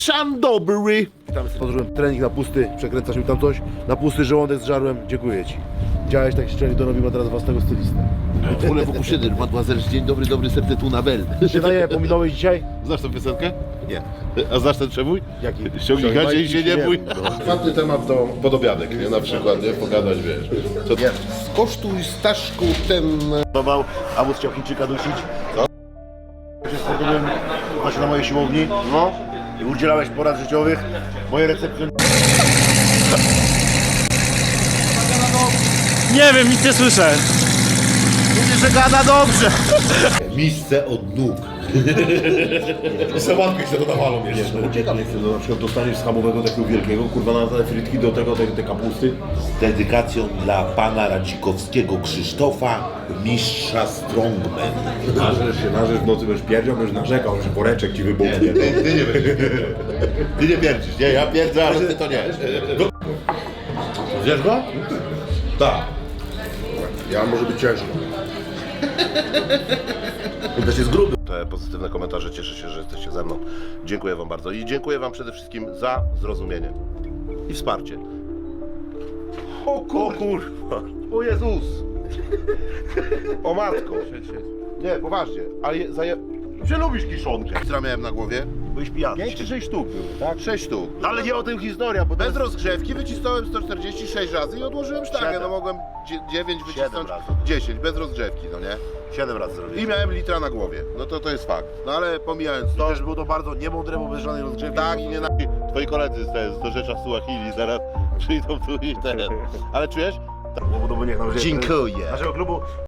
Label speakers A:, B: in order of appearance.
A: Szan dobry.
B: Podróżyłem trening na pusty, przekręcasz mi tam coś, na pusty żołądek zżarłem, dziękuję ci. Działałeś tak szczerze, to robimy teraz własnego stylista.
A: Wolę pokuszyny, mademoiselle, dzień dobry, dobry, serce tu na bel.
B: Się daje, pominąłeś dzisiaj?
A: Znasz tę piosenkę?
B: Nie.
A: A znasz ten przebój?
B: Jaki?
A: Ściągnij gacie i się nie bój.
C: Fajny temat to podobiadek, nie? Na przykład, nie? Pogadać, wiesz. Co to? Skosztuj Staszku ten...
B: A wóz chciał Chińczyka dusić. Co? Się startowałem właśnie na mojej siłowni. No. I udzielałeś porad życiowych. Moje recepcje...
D: Nie wiem, nic nie słyszę.
B: Mówię, że gada dobrze.
C: Miejsce od nóg. I sałatkę się dodawalą jeszcze.
B: Uciekam, nie chcę, na przykład dostaniesz schabowego takiego wielkiego, kurwa na te frytki, do tego te kapusty.
E: Z dedykacją dla pana Radzikowskiego Krzysztofa, mistrza Strongman.
B: Narzesz w nocy będziesz pierdział, będziesz narzekał, że woreczek ci wybuchnie.
C: Ty nie będziesz.
A: Ty nie pierdzisz, nie? Ja pierdzę, ale ty to nie.
B: Wiesz go?
C: Tak. Ja może być ciężko.
B: On też jest gruby.
A: Te pozytywne komentarze, cieszę się, że jesteście ze mną. Dziękuję wam bardzo i dziękuję wam przede wszystkim za zrozumienie i wsparcie. O kurwa! O Jezus! O matko! Nie, poważnie, ale że lubisz kiszonkę. Która miałem na głowie?
B: Byłeś pijany.
A: 5 czy 6 sztuk było, tak? 6 sztuk.
B: Ale nie o tym historia, bo
A: Bez rozgrzewki wycisnąłem 146 razy i odłożyłem sztangę.
B: 7.
A: No mogłem 9 wycisnąć,
B: razy.
A: 10 bez rozgrzewki, no nie?
B: 7 razy zrobiłem.
A: I miałem litra na głowie. No to jest fakt. No ale pomijając to,
B: Też było to bardzo niemądre, bo bez żadnej rozgrzewki.
A: tak i nie na... Twoi koledzy z rzecza Suahili zaraz przyjdą tu i teraz. Ale czujesz?
B: Bo niech nam
A: Dziękuję.
B: naszego klubu